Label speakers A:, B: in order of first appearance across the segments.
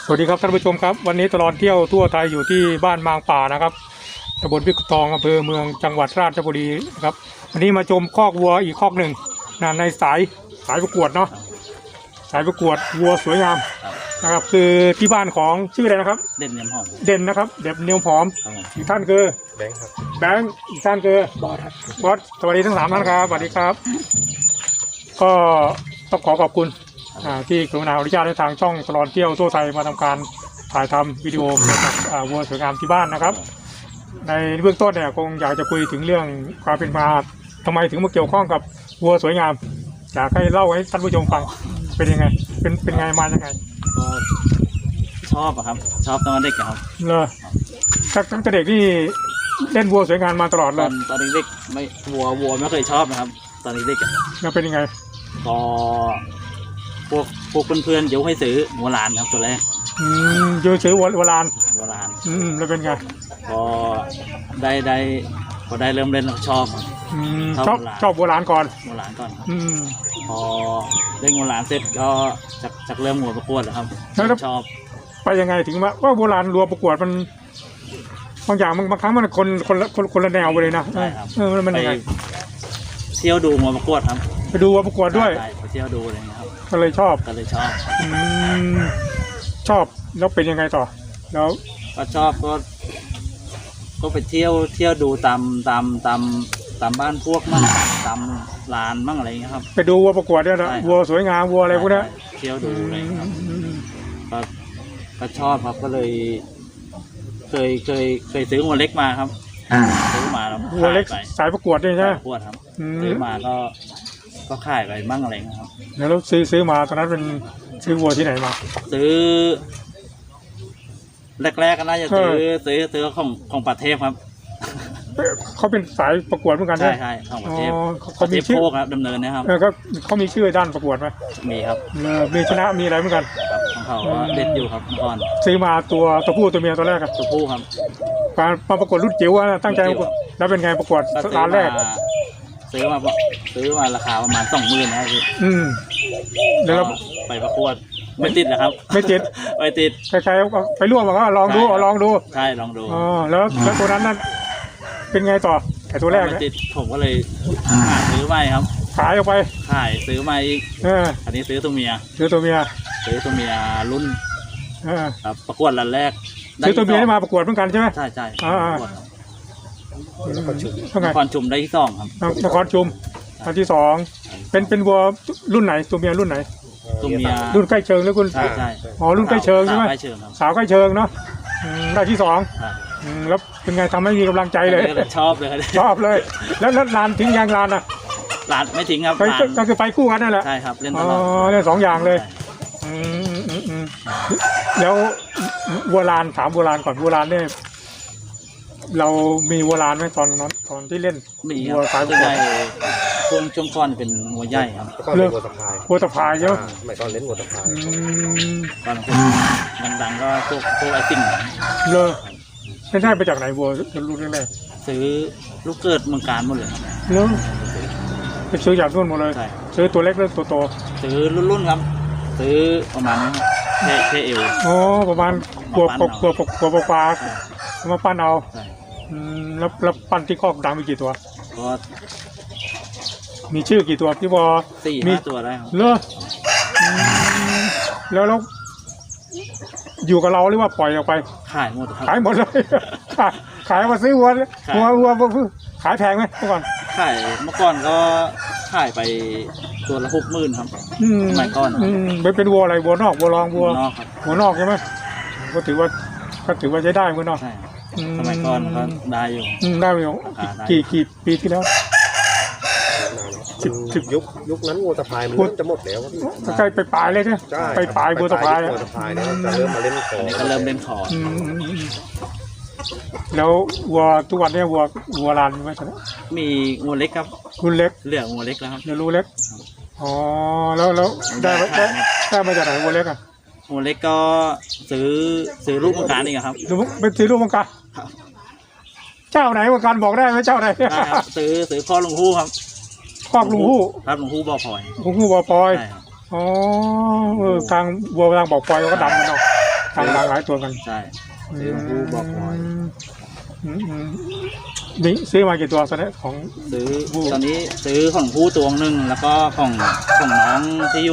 A: สวัสดีครับท่านผู้ชมครับวันนี้ตลอดเที่ยวทั่วไทยอยู่ที่บ้านมางป่านะครับตำบลพิกุตองอำเภอเมืองจังหวัดราชบุรีครับวันนี้มาชมคอกวัวอีกคอกหนึ่งในสายประกวดเนาะสายประกวดวัวสวยงามนะครับคือที่บ้านของชื่ออะไรนะครับ
B: เด่นเนียมหอม
A: เด่นนะครับเด่นเนียมหอมอีกท่านคือ
C: แบงค์ครับ
A: แบงค์อีกท่านคือบอสสวัสดีทั้ง3ท่านครับสวัสดีครับก็ต้องขอบคุณที่กรุณาอนุญาตให้ทางช่องตลอดเที่ยวทั่วไทยมาทำการถ่ายทำวิดีโอเกี่ยวกับวัวสวยงามที่บ้านนะครับในเบื้องต้นเนี่ยคงอยากจะคุยถึงเรื่องความเป็นมาทำไมถึงมาเกี่ยวข้องกับวัวสวยงามอยากให้เล่าให้ท่านผู้ชมฟังเป็นยังไงเป็นไงมายังไง
B: ก็ชอบครับชอบตอนเด็กครับ
A: เลยตั้งแต่เด็กนี่เล่นวัวสวยงามมาตลอดเลย
B: ตอนเด็กไม่วัวไม่เคยชอบนะครับตอนเด็ก
A: แล้วเป็นยังไง
B: ก็พวกเพื่อนๆยกให้ซื้อวัวลานครับตัวแรก
A: เยอะซื้อวัวลานแล้วเป็นไง
B: พอได้เริ่มเล่นชอบ
A: ชอบวัวลานก่อน
B: ครับพอเล่นวัวลานเสร็จก็จากเริ่มวัวประกวดแล้วครับชอบ
A: ไปยังไงถึงว่าวัวลานรัวประกวดมันบางอย่างบางครั้งมันคนละแนวไปเลยนะ
B: ใช่ครับ
A: มันยังไง
B: เที่ยวดูวัวประกวดครับ
A: ไปดูวัวประกวดด้วย
B: ไปเที่ยวดูอะไรเงี้ยครับ
A: ก็เลยชอบชอบแล้วเป็นยังไงต่อแล้ว
B: ก็ชอบก็ไปเที่ยวดูตามบ้านพวกมั่งตามลานมั่งอะไรเงี้ยครับ
A: ไปดูวัวประกวดเนี่ยนะวัวสวยงามวัวอะไรพวกนี้
B: เที่ยวดูอะไรครับก็ชอบครับก็เลยเคยซื้อวัวเล็กมาครับซื้อมาแล้ว
A: วัวเล็กสายประกวดใช่ไหม
B: ประกวดครับซื้อมาก็ขายไปมั่งอะไรครับ
A: แล้วซื้อมาตอนนั้นเป็นซื้อวัวที่ไหนมา
B: ซื้อแรกก็น่าจะซื้อของประเทศครับ
A: เขาเป็นสายประกวดเหมือนกัน
B: ใช่ของประเทศเขามีชื่อครับดำเนินนะครับ
A: ก็เขามีชื่อด้านประกวดไหม
B: มีครับ
A: มีชนะมีอะไรเหมือนกัน
B: ของเขาเด็ดอยู่ครับก่อน
A: ซื้อมาตัวผู้ตัวเมียตัวแรกครับ
B: ตัวผู้ครับ
A: มาประกวดรุ่นจิ๋วตั้งใจแล้วเป็นไงประกวดร้านแรก
B: ซื้อมาราคาประมาณ20,000นะครับพี่
A: แล้ว
B: ไปประกวดไม่ติดนะครับ
A: ไม่ติดใครๆไปร่วมก็ลองดู
B: ใช่ลองดู
A: แล้วตัวนั้นนั่นเป็นไงต่อไอ้ตัวแรก
B: ไม่ติดผมก็เลยซื้อใหม่ครับ
A: ขายออกไป
B: ซื้อใหม่อีกอันนี้ซื้อตัวเมียรุ่นครับประกวดรันแรก
A: ซื้อตัวเมียได้มาประกวดเหมือนกันใช่ไหม
B: ใช่นครชุมได้ที่2ครับ
A: นครชุมอันที่2เป็นวัวรุ่นไหนตัวเมียรุ่นไหน
B: ตัวเมีย
A: รุ่นใกล้เชิงแล้วคุณ
B: ใช่
A: รุ่นใกล้เชิงใช่ไหมสาวใกล้เชิงเนาะได้ที่2แล้วเป็นไงทำให้มีกำลังใจเลย
B: ชอบเลย
A: แล้วลานทิ้งยางลานอะ
B: ลานไม่ทิ้งครับ
A: ก็คือไปคู่กันนั่นแหละ
B: ใช่ครับเล่นตลอด
A: เล่น2อย่างเลยแล้ววัวลานถามวัวลานก่อนวัวลานเนี่ยเรามีวัวลานไหมตอนที่เล่น
B: มีวัวสายใหญ่ช่วงก้อนเป็นวัวใหญ่ครับ
C: ก็เล่น
A: วัวตะพายใช่ไหม
C: ไม่ตอนเล่นวัวตะพาย
B: ตอนดังก็พวกไอติ่ง
A: เลยได้ไปจากไหนวัวลูกแรก
B: ซื้อลูกเกิดเมืองการหมดเลยครับ
A: แล้วไปซื้อจากนู่นหมดเลยซื้อตัวเล็กหรือตัวโต
B: ซื้อรุ่นครับซื้อประมาณเทเอว
A: ประมาณกลัวปลามาปั้นเอาแล้วปั้นที่คอกดังมีกี่ตัว
B: ก็
A: มีชื่อกี่ตัวพี่บอ
B: 4-5 ตัวได้ครับ
A: แล้วอยู่กับเราหรือว่าปล่อยออกไป
B: ขายหมดครับ
A: ขายหมดเลยขายมาซื้อวัวขายแพงไหมเมื่อก่อน
B: เมื่อก่อนก็ขายไปตัวละ60,000ครับสมัยก่อน
A: เป็นวัวอะไรวัวนอกวัวรองวัวนอกใช่ไหมก็ถือว่าใช้ได้วัวนอก
B: สมัยก่อนก็ได้อยู่
A: กี่ปีที่แล้ว
C: 10 ยุคนั้นวัวตะพายมันจะหมดแล้ว
A: ใกล้ไปปลายเลยใช่ไหมไปปลายวัวตะพาย
C: แล้วจะเริ่มมาเล่นขอ
B: ก็เริ่มเล่นขอ
A: แล้ววัวทุกวันนี้วัวลานมีไหม
B: มีวัวเล็กครับ
A: รุ่นเล็ก
B: เหลือวัวเล็กแล้วครับ
A: เดี๋ยวรู้เล็กแล้วได้มาจากไหนวัวเล็ก
B: วัวเล็กก็ซื้อลูกมังกรนี่ครับ
A: เป็นซื้อลูกมังกรเจ้าไหนมังกรบอกได้ไหมเจ้าไหน
B: ซื้อพ่อลุงฮู้ครับ
A: คอกลุงฮู้
B: ครับลุงฮู้บ่อพลอย
A: ทางวัวทางบอกปล่อยก็ดำกันเนาะทำหลากหลายตัวกัน
B: ใช่ซื้อของผู้บอกหน่อย
A: นี่ซื้อมากี่ตัวตอนนี้ของ
B: ซื้อ
A: ผู้
B: ตอนนี้ซื้อของผู้ตัวหนึ่งแล้วก็ของน้องที่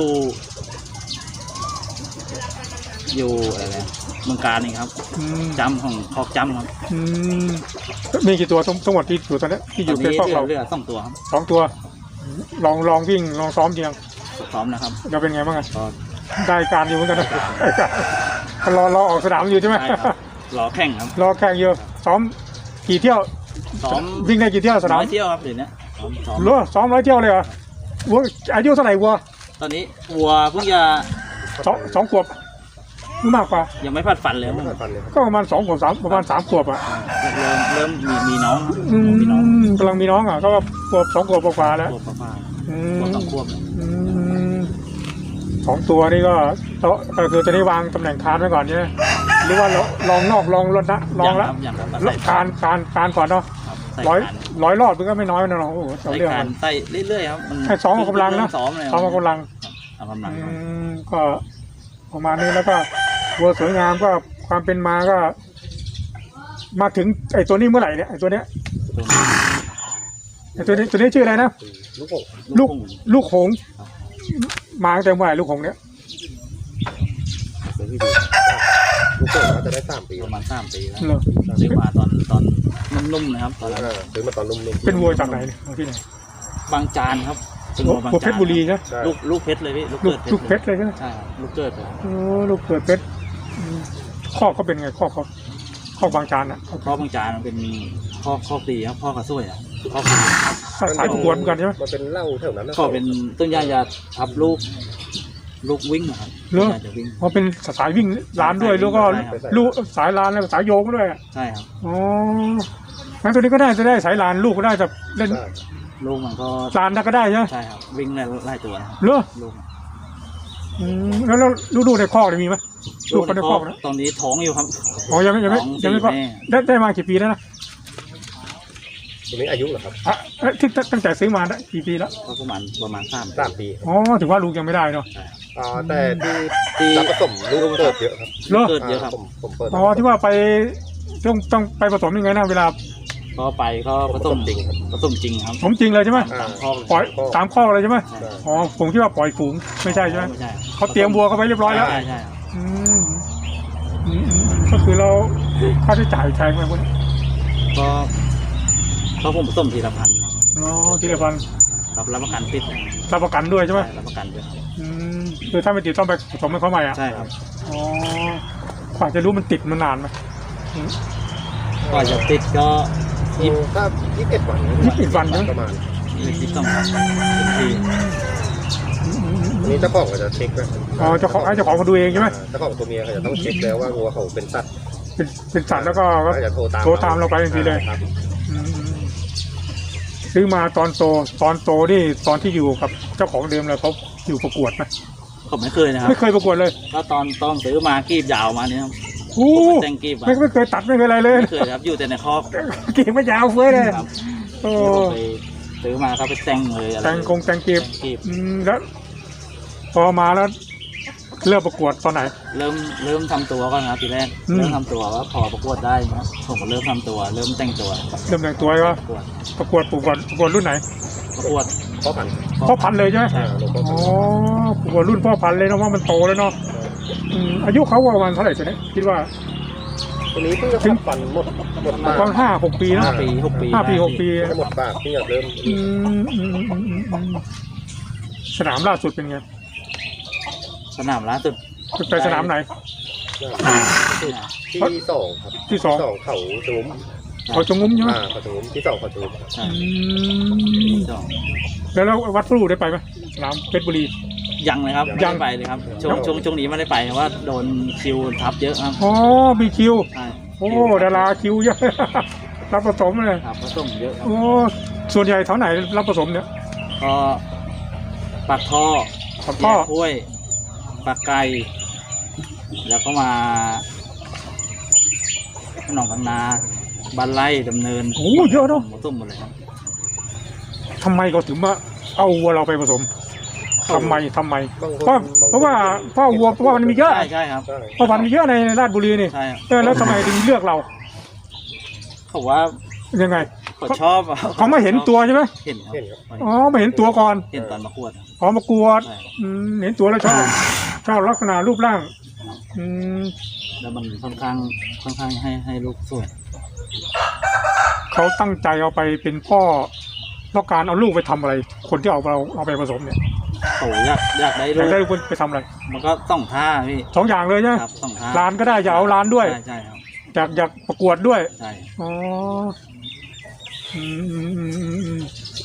B: อยู่อะไรนะเมืองการนี่ครับ
A: อืม
B: จำของคอกจำครับ
A: อืมมีกี่ตัวทั้งหมดที่อยู่ตอนนี้ที่อ
B: ตอยู่ น
A: ใน
B: นี้
A: ครอบเรา
B: เหลือ2 ตัวครับ
A: 2 ตัวลองวิ่งลองซ้อมจริง
B: พร้อมนะครับ
A: จะเป็นไงบ้างอะ
B: ก็
A: ได้การอยู่เหมือนกันนะได้การรอออกสนามอยู่ใช่ไหม
B: ใช่ครับรอแข่งครับ
A: รอแข่งอยู่ซ้อมกี่เที่ยว
B: ซ้อม
A: วิ่งได้กี่เที่ยวสนาม
B: 100 เที่ยวครับเดี๋ยวนี้ซ้อม
A: เหรอซ้อม100 เที่ยวเลยเหรอวัวอายุเท่าไหร่วัว
B: ตอนนี้วัวเพิ่งจะ
A: สองขวบหรือมากกว่า
B: ยังไม่พัดฟันเลย
C: ไม่
B: ครับ
C: ผ่านฟันเลยครับ
A: ก็ประมาณ2 ขวบประมาณ 3 ขวบอ่ะ
B: เริ่มมีน้อง
A: อื
B: มีน้อง
A: มกำลังมีน้องอ่ะก็ขวบ2 ขวบกว่าๆแล้ว
B: ขวบประมาณ
A: อื
B: ขวบ
A: ม
B: 2 ขวบ
A: อืม2 ตัวนี่ก็คือจะได้วางตำแหน่งคานไว้ก่อนใช่ไหมหรือว่าลองนอกลองรถนะลองละ
B: อย่างครับ
A: การก่อนเนาะ
B: ใส่
A: ร้อย
B: การ
A: รอบมันก็ไม่น้อยนะเนาะโอ้โหเอา
B: ใส่
A: เรื่อง
B: กา
A: มั
B: ร
A: น
B: ใส่เรื่อยๆครับมัน
A: ให้ซ้อมออกกำลังนะ
B: ซ้อมเลย
A: ซ้อมออกกำลัง
B: เอากำลัง
A: ก็ประมาณนี้แล้วก็วัวสวยงามก็ความเป็นมาก็ มาถึงไอ้ตัวนี้เมื่อไหร่เนี่ยไอ้ตัวเนี้ยไอ้ตัวนี้ชื่ออะไรนะ
C: ลูกหก
A: ลูกหงส์มาตั้งแต่เมื่อไหร่ลูกหงส์เนี่ย
C: เป็นที่ดีลูกหกน่าจะได้3 ปี
B: ประมาณ3 ปีแล้ว
A: เหรอ
B: ซื้อมาตอนนุ่มๆนะครับตอนนั้น
C: ซื้อมาตอนนุ่มๆ
A: เป็นวัวจากไหนเนี่ยเอาที่ไหน
B: บางจานครับเป็น
A: วั
B: วัวบาง
A: ว
B: จาน
A: เพชรบุรีใช่ไหม
C: ใช่
B: ลูกเพชรเลยพี่ลูก
A: ลู
B: เกิ
A: ก
B: ด
A: ลูกเพชรเลยใช่ไหม
B: ใช่ครับลูกเกิดเลย
A: โอ้ลูกเกิดเพชรข้อเขาเป็นไงข้อบางจานอ่ะ
B: พ่อบางจานมันเป็นข้อตีครับพ่อกระซวยอ่ะข้อตี
A: สายประกวดเหมือนกันใช่ไหม
C: มันเป็นเหล้าแถวนั้นนะ
B: ก็เป็นต้นยาจะทับลูกวิ่งนะครับ
A: เหรอ
B: ต้นยาจะวิ่ง
A: เพราะเป็นสายวิ่งร้านด้วยแล้วก็
B: ใช่ครับ
A: ลูกสายร้านแล้วก็สายโยงด้วยอะ
B: ใช่ครับ
A: อ๋องั้นตัวนี้ก็ได้จะได้สายลานลูกก็ได้จะเล่น
C: ใช่
B: ลูกมันก็
A: ลานได้ก็ได้ใช่ไหม
B: ใช่ครับวิ่งไล่ตัวนะครับ
A: เหรอ
B: ลูก
A: แล้วลูกในคอกเนี่ยมีไหมลูกคนในคอกนะ
B: ตอนนี้ท้องอยู่ครับ
A: อ๋อยังไม่
B: ท้อง
A: ก็
B: สี่แม่
A: ได้มากี่ปีแล้วนะ
C: ตัวนี้อายุเหรอครับ
A: อ่ะที่ตั้งแต่ซื้อมาได้กี่ปีแล้ว
B: ก็ประมาณ
C: 3 ปี
A: อ๋อถือว่าลูกยังไม่ได้เนาะ
C: แต่ที่
B: ที่
C: รับผสมลูกเกิดเยอะครับ
A: เหรอ
B: เกิดเยอะครับ
C: ผมเปิด
A: อ๋อที่ว่าไปต้องไปผสมยังไงนะเวลา
B: ก็ไปก็ผสม
C: จริงครับ
B: ผสมจริงครับ
A: ผมจริงเลยใช่ไหม
B: ตามข้อเลย
A: ปล่อยตามข้อเลยใช่ไหม
B: ใช่
A: อ๋อผมคิดว่าปล่อยฝูงไม่ใช่ใช่ไหม
B: ไม่ใช่
A: เขาเตรียมวัวเขาไว้เรียบร้อยแล้ว
B: ใช่ใช่ครับ
A: อืมก็คือเราค่าใช้จ่ายแพงไหมคุณ
B: ก็ผมผสมทีละพัน
A: อ๋อทีละพัน
B: ครับรับประกันติด
A: รับประกันด้วยใช่ไหม
B: รับประกันด้วยครับ
A: คือถ้าไม่ติดต้องไปผสมให้เขาใหม่อ่ะ
B: ใช่ครับ
A: อ๋อกว่าจะรู้มันติดมันนานไหม
B: ก็จะติดก็
C: ถ้า21 วัน
A: 21 วันนะ
C: ประมาณ
B: 22 วันที
C: อันนี้เจ้าของก็จะเช็คนะ
A: อ๋อเจ้าของมาดูเองใช่ไหม
C: เจ้าของตัวเมียเขาจะต้องเช็คแล้วว่างัวเขาเป็นสัตว์
A: เป็นสัตว์แล้วก็
C: เขาจะโทรตาม
A: โทรตามเราไปทันทีเลย
C: ครับ
A: อืมซื้อมาตอนโตนี่ตอนที่อยู่กับเจ้าของเดิมเลยเขาอยู่ประกวดไหม
B: ผมไม่เคยนะครับ
A: ไม่เคยประกวดเลย
B: ก็ตอนซื้อมากีบยาวมาเนี่ยครับ
A: โอ้
B: ผมแต่งกีบ
A: ไม่เคยตัดไม่เคยอะไรเลย
B: ไม่เคยครับอยู่แต่ในคอก
A: กิ่งไม่ยาวเฟ้ยเลย
B: ครับ
A: โอ้
B: ผมไปซื้อมาก็ไปแต่งเลยอะไร
A: แต่งกีบ
B: กีบ
A: แล้วพอมาแล้วเริ่มประกวดตอนไหน
B: เริ่มทำตัวก่อนครับทีแรก
A: อืม
B: เริ่มทำตัวว่าพอประกวดได้นะผมก็เริ่มทำตัวเริ่มแต่งตัว
A: เริ่มแต่งตัวก็
B: ประกวด
A: ประกวดรุ่นไหน
B: ประกวด
C: พ่อพันธุ์
A: พ่อพันธุ์เลยใช่ไหม
C: หลวงพ่อ
A: อ๋
C: พั
A: อน
C: ธุ์
A: ประกวดรุ่นพ่อพันธุ์เลยเนาะว่ามันโตแล้วเนาะอายุเขาประมาณเท่าไหร่ตัวนี้คิดว่า
C: ตัวนี้เพิ่งจะขับฟันหมดปาก
A: ประมาณ5-6 ปีเนาะ
B: 5 ปี 6 ปี
A: 5 ปี 6 ปี
C: หมดปากที่จะเริ่ม
A: สนามล่าสุดเป็นไง
B: สนามล่าสุด
A: ไปสนามไหน
C: ที่2ครับ
A: ที่สอง
C: เขาจุ้ม
A: เขาจงงุ้มใช่ไหม
C: เขาจุ้มที่2เขาจุ้ม
B: ใช่ สอง
A: แล้ววัดพลูได้ไปไหมสนามเพชรบุรี
B: ยังเลยครับ
A: ยัง
B: ไม่ได้ไปเลยครับช่วงนี้ไม่ได้ไปเพราะว่าโดนคิวทับเยอะครับ
A: อ๋อมีคิว
B: ใช่
A: โอ้ดาราคิวเยอะ รับผสมเลย
B: ครับผสมเยอะครับ
A: โอ้ส่วนใหญ่แถวไหนรับผสมเนี่ย
B: ก็ปากท่อ
A: กับพ่อ
B: แยกห้วยปากไก่แล้วก็มาหนองกันนาบ้านไร่ดำเนิน
A: โอ้เยอะเนาะ
B: ผสมหมดเลยครับ
A: ทำไมเขาถึงมาเอาวัวเราไปผสมทำไม
C: บางคน
A: เพราะว่าพ่อวัวเพราะว่ามันมีเยอะ
B: ใช่ครับ
C: ใช่
A: พ่อพันธุ์มีเยอะในราชบุรีนี่
B: ใช่ครับ
A: แล้วทำไมถึงเลือกเรา
B: เขาว่า
A: ยังไง
B: เขาชอบ
A: เขาไม่เห็นตัวใช่ไหม
B: เห็นครับ
C: เห็นครับ
A: อ๋อไม่เห็นตัวก่อน
B: เห็นตอนประกวดครับ
A: อ๋อมากวด
B: ใช่
A: เห็นตัวแล้วชอบลักษณะรูปร่างอืม
B: แล้วมันค่อนข้างให้ลูกสวย
A: เขาตั้งใจเอาไปเป็นพ่อต้องการเอาลูกไปทำอะไร คนที่เอาไปผสมเนี่ย
B: เขาอยากได้
A: อยาก
B: ลูก
A: ได้ลูกไปทำอะไร
B: มันก็ต้องท่าพี่
A: สองอย่างเลยใช่ไหม
B: ครับต้องท่า
A: ร้านก็ได้อยากเอาร้านด้วย
B: ใช่ครับ
A: อยากประกวดด้วย
B: ใช่
A: อ๋ออืม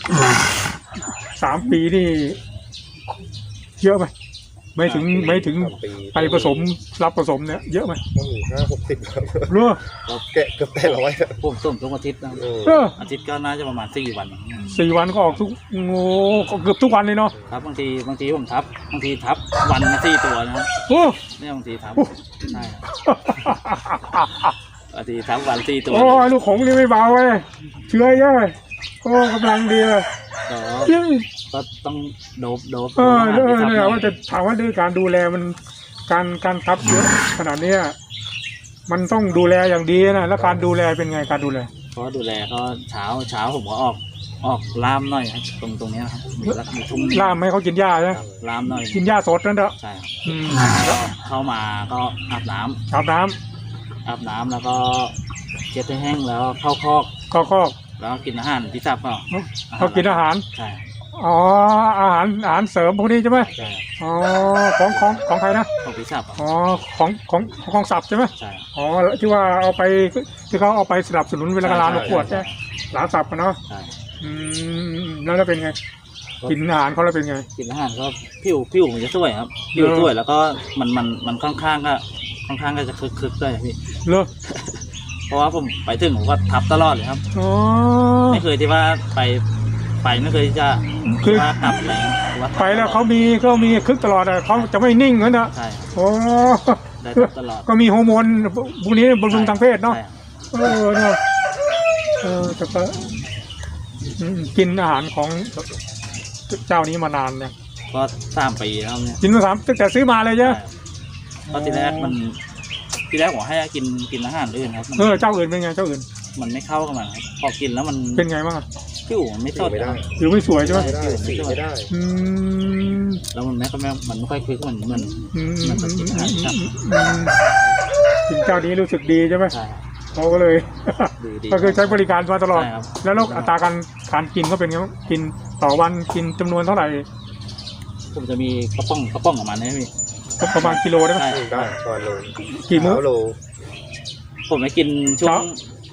A: 3 ปีนี่เยอะไหมไม่ถึง
C: 3 ปี
A: ไปผสมรับผสมเนี่ยเยอะไหม
C: ต้องมี50-60ครับ
A: เรือ
C: แกะเกือบได้100ครับ
B: ผมส้มทุกอาทิตย์นะ
A: เออ
B: อาทิตย์ก็น่าจะประมาณ4 วัน
A: 4 วันก็ออกทุกโอ้ก็เกือบทุกวันเลยเนาะ
B: ครับบางทีผมทับบางทีทับวันละ4 ตัวนะครับ
A: โอ้
B: เนี่ยบางทีทับใช่ครับบางทีทับวัน4 ตัว
A: โอ้ยลูกของนี่ไม่เบาเว้ยเชื่อเยอะโอ้กำลังดีเลย
B: ก็ต้องโดบ
A: เนี่ยว่าจะถามว่าด้วยการดูแลมันการทับเยอะขนาดเนี้ยมันต้องดูแลอย่างดีนะแล้วการดูแลเป็นไงการดูแล
B: เพราะดูแลก็เช้าผมก็ออกล่ามหน่อยครับตรงเนี้ยครับมีทุ่ง
A: ล่ามให้เขากินหญ้าใช่ไหม
B: ล่ามหน่อย
A: กินหญ้าสดนั่นเถอะ
B: ใช่ครับ
A: อืม
B: ก็เข้ามาก็อาบน้ำ
A: อาบน้ำ
B: แล้วก็เช็ดให้แห้งแล้วเข้าคอก
A: ก็
B: แล้วก็กินอาหารที่สับเปล่า
A: เขากินอาหาร
B: ใช่
A: อ๋ออาหารเสริมพวกนี้ใช่ไหม
B: ใช่
A: อ๋อของใครนะ
B: ของพิซซ่าเปล่า
A: อ๋อของสับใช่ไหม
B: ใช่
A: อ๋อที่ว่าเอาไปที่เขาเอาไปสนับสนุนเวลาร้านประกวดใช่ไหมร้านสับกันเนาะ
B: ใช่
A: อืมแล้วเป็นไงกินอาหารเขาแล้วเป็นไง
B: กินอาหารก็ผิวมันจะสวยครับผิวสวยแล้วก็มันค่อนข้างก็จะคึกด้วยพี่
A: เลอ
B: เพราะว่าผมไปถึงผมก็ทับตลอดเลยครับ
A: อ๋อ
B: ไม่เคยที่ว่าไปไม่เคยที่จะ
A: คือ
B: ว่ากลับอะไรหรือว่า
A: ไปแล้วเขามีคึกตลอดอะเขาจะไม่นิ่งเหมือนนะ
B: ใช่ครับ
A: โอ้
B: ได้ทับตลอด
A: ก็มีฮอร์โมนพวกนี้บำรุงทางเพศเนาะ
B: ใช่ครับ
A: เนาะแต่ก็กินอาหารของเจ้านี้มานานเนี่ย
B: ก็3 ปีแล้วเนี่ย
A: กินมาตั้งแต่ซื้อมาเลยใช่ไหม
B: ก็ทีแรกผมให้กินอาหารอื่นครับ
A: เจ้าอื่นเป็นไงเจ้าอื่น
B: มันไม่เข้ากับมันครับพอกินแล้วมัน
A: เป็นไงบ้างอะ
B: ผิวมันไม่สด
C: ไม่ได้
B: ครับ
A: หรือไม่สวยใช่ไหม
C: ไม่ได้สีไม่ได้
A: อืม
B: แล้วมันไม่ค่อยคึกเหมือน
A: อืม
B: มันจะกินอาหารครับ
A: กินเจ้านี้รู้สึกดีใช่ไหม
B: ใช่ครับ
A: เขาก็เลย
B: ดี
A: ก็คือใช้บริการมาตลอด
B: ใช่ครับ
A: แล้วอัตราการกินก็เป็นไงบ้างกินต่อวันกินจำนวนเท่าไหร่
B: ผมจะมีกระป๋องของมันนะพี่
A: ก็ประมาณกิโลได้ไหม
B: ใช่
C: ได้ตอนโล
A: กี่มื้อ
C: เช้าโล
B: ผมไปกินช่ว
A: เช้า
B: ง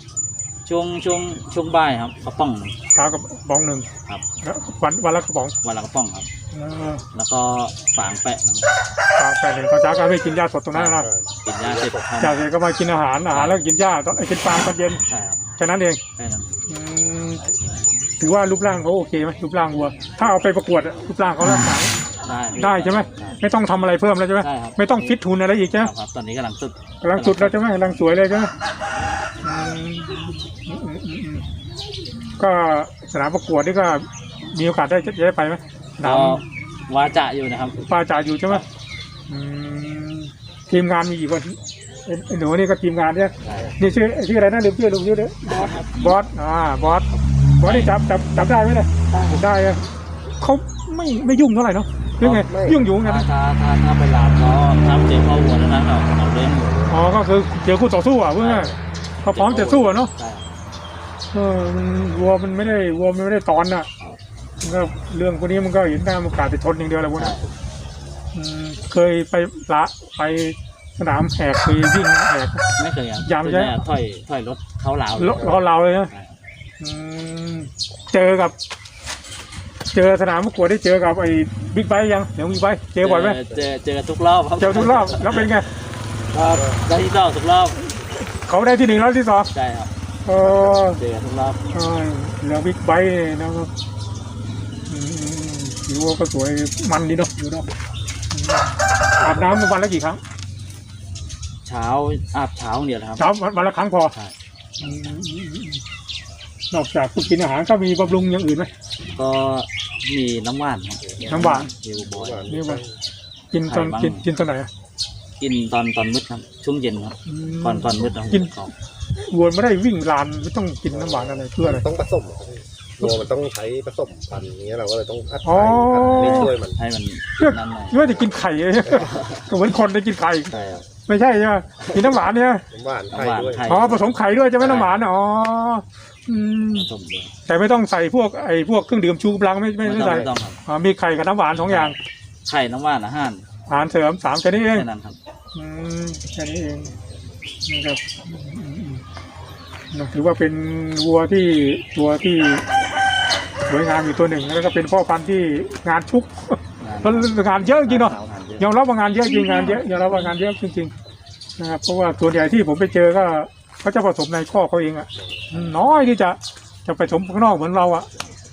B: บ่ายครับกระป๋องหนึ่ง
A: เช้ากับบ้องหนึ่ง
B: ครับ
A: แล้ววันละกระป๋อง
B: วันละกระป๋องครับ
A: เออ
B: แล้วก็ฝางแปะหนึ่ง
A: แต่หนึ่งตอนเช้าก็ไม่กินหญ้าสดตรงนั้นนะ
B: กินยาเสร็จเข้า
A: จากนั้นก็มากินอาหารแล้วกินหญ้าตอนกินปลาตอนเย็น
B: ใช่ครับ
A: แค่นั้นเอง
B: แค่นั้น
A: อืมถือว่ารูปร่างเขาโอเคไหมรูปร่างวัว ถ้าเอาไปประกวดอะรูปร่างเขาร่างกาย ได้ใช่ไหมไม่ต้องทำอะไรเพิ่มแล้วใช่ไหม
B: ใช่ครับ
A: ไม่ต้องฟิตทุนอะไรอีกใช่ไหม
B: ครับตอนนี้กำลังสุด
A: กำลังสุดแล้วใช่ไหมกำลังสวยเลยใช่ไหมก็สนามประกวดนี่ก็มีโอกาสจะได้ไปไหมสนา
B: ก็
A: ม
B: ว่าจะอยู่นะครับ
A: ปลาจ่าอยู่ใช่ไหมอืมทีมงานมีกี่คนไอ้หนูนี่ก็ทีมงานเนี่ย
B: ใช่
A: นี่ชื่ออะไรนะลืมชื่อเด้อบอสบอสนี่จับได้ไหมเนี่ยได้อะเขาไม่ยุ่งเท่าไหร่เนาะหรือไงยุ่งอยู่ไงนะ
B: ถ้าไปลามก็ทำเจอพ่อวัวแล้วนะเอาเรื่องอยู่
A: อ๋อก็คือเจอคู่ต่อสู้อ่ะเพื่อนเขาพร้อมจะสู้อ่ะเนาะ
B: ใช่
A: วัวมันไม่ได้ตอนน่ะมันก็เรื่องพวกนี้มันก็เห็นหน้ามันกาดไปชนอย่างเดียวแหละพวกนั้นเคยไปสนามแหกไปวิ่งแหก
B: ไม่เคยครับ
A: ยามใช่ไหม
B: ถอยรถเขาลาว
A: เราเลยนะเจอสนามประกวดได้เจอกับไอ้บิ๊กไบค์ยังเดี๋ยวบิ๊กไบค์เจอบ่อยไหม
B: เจอทุกรอบครับ
A: เจอทุกรอบแล้วเป็นไง
B: ก็ได้ที่2ทุกรอบ
A: เขาได้ที่ 1แล้วที่ 2
B: ใช่ครับเจอทุกรอบ
A: เหลือบิ๊กไบค์นะครับถือว่าก็สวยมันดีเนาะอยู่เนาะอาบน้ำวันละกี่ครั้ง
B: อาบเช้าเดียวครับ
A: เช้าวันละครั้งพอ
B: ใช่
A: นอกจากกินอาหารก็มีบำรุงอย่างอื่นไหม
B: ก็มีน้ำหวานครับ
A: น้ำหวาน
B: เฮลบอย
A: นี่ว่ากินตอนกินตอนไหนอะ
B: กินตอนมืดครับช่วงเย็นครับก่อนมืดเรา
A: กิน
B: เขา
A: วัวไม่ได้วิ่งลานไม่ต้องกินน้ำหวานอะไรเพื่ออะไร
C: ต้องผสมครับวัวมันต้องใช้ผสมพันธุ์อย่างเงี้ยเราก็เลยต้องอัด
A: อ๋อ
C: ไข่อัดช่วยมัน
B: ให้มัน
A: เพื่อ
B: นั่นหน่อย
A: เพื่อจะกินไข่เลย ก็เหมือนคนได้กินไข่
C: ใช่ครับ
A: ไม่ใช่ใช่ไหมกินน้ำหวานเนี่ย
C: น้ำหวานไข่ด้วย
A: อ๋อผสมไข่ด้วยจะไหม่น้ำหวานอ๋ออืม
B: ผสมเลย
A: แต่ไม่ต้องใส่พวกพวกเครื่องดื่มชูกำลังไม่
B: ไม่
A: ใส่
B: ต้องครับ
A: อ๋อมีไข่กับน้ำหวาน2 อย่าง
B: ไข่น้ำหวานอาหาร
A: อาหารเสริม3แค่นี้เอง
B: แค่นั้นครับ
A: อืมแค่นี้เองนะครับถือว่าเป็นวัวที่ตัวที่สวยงามอยู่ตัวหนึ่งแล้วก็เป็นพ่อพันธุ์ที่งานชุกแล้วงานเยอะจริงเนาะยอมรับว่างานเยอะจริงงานเยอะยอมรับว่างานเยอะจริงๆนะครับเพราะว่าส่วนใหญ่ที่ผมไปเจอก็เขาจะผสมในข้อเขาเองอ่ะน้อยที่จะผสมข้างนอกเหมือนเราอ่ะ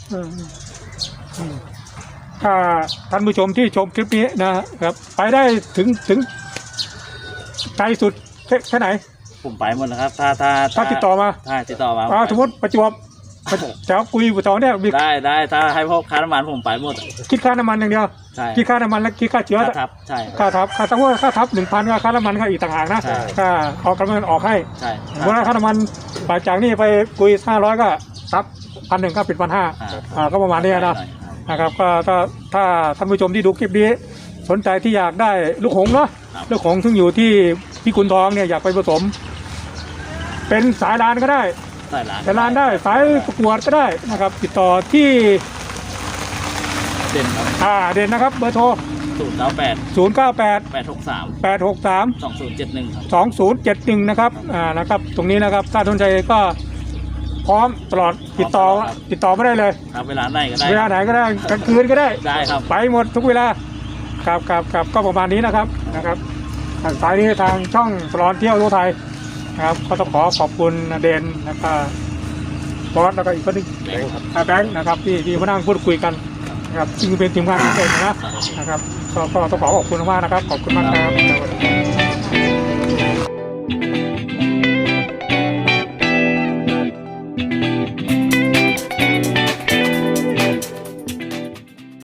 A: ถ้าท่านผู้ชมที่ชมคลิปนี้นะครับไปได้ถึงไกลสุดแค่ไหน
B: ผมไปหมดนะครับถ้า
A: ติดต่อมา
B: ถ้าติดต่อมา
A: สมมติประจวบจะคุยอยู่ต่อเนี่ยมี
B: ได้ถ้าให้พวกค้าน้ำมันผมไปหมด
A: คิดค่าน้ำมันอย่างเดียว
B: ใช่
A: คิดค่าน้ำมันแล้วคิดค่าเชื้อ
B: ค่าทับใช่
A: ค่าทับสมมติค่าทับ 1,000ก็ค่าน้ำมันก็อีกต่างหากนะ
B: ใช่
A: ค่าออกกำลังออกให้
B: ใช่
A: สมมติว่าค่าน้ำมันจากนี่ไปคุย500ก็ทับ1,000ก็เป็น1,500ก็ประมาณนี้นะครับก็ถ้าท่านผู้ชมที่ดูคลิปนี้สนใจที่อยากได้ลูกหงส์เนาะลูกหงส์ซึ่งอยู่ที่พิกุลทองเนี่ยอยากไปผสม เป็นสายลานก็ได้
B: ใส่ร้าน
A: สายลานได้สายประกวดก็ได้นะครับ ติดต่อที่
B: เด่นครับ
A: เด่นนะครับเบอร์โทร
B: 098
A: 098
B: 863
A: 863
B: 2071ครับ
A: 2071นะครับนะครับตรงนี้นะครับถ้าสนใจก็พร้อมตลอดติดต่อไม่ได้เลย
B: ครับเวลาไหนก็ได้
A: เวลาไหนก็ได้กลางคืนก็ได้
B: ได้ครับ
A: ไปหมดทุกเวลาครับก็ประมาณนี้นะครับสายนี้ทางช่องตลอดเที่ยวทั่วไทยนะครับก็ต้องขอบคุณเดนแล้วก็บอสแล้วก็อีกคนหนึง
C: แบงค์ครับ
A: แบงค์นะครับที่มานั่งพูดคุยกันนะครับซึ่งเป็นทีมงานที่เก่งนะครับก็ต้องขอบคุณมากนะครับขอบคุณมากครับ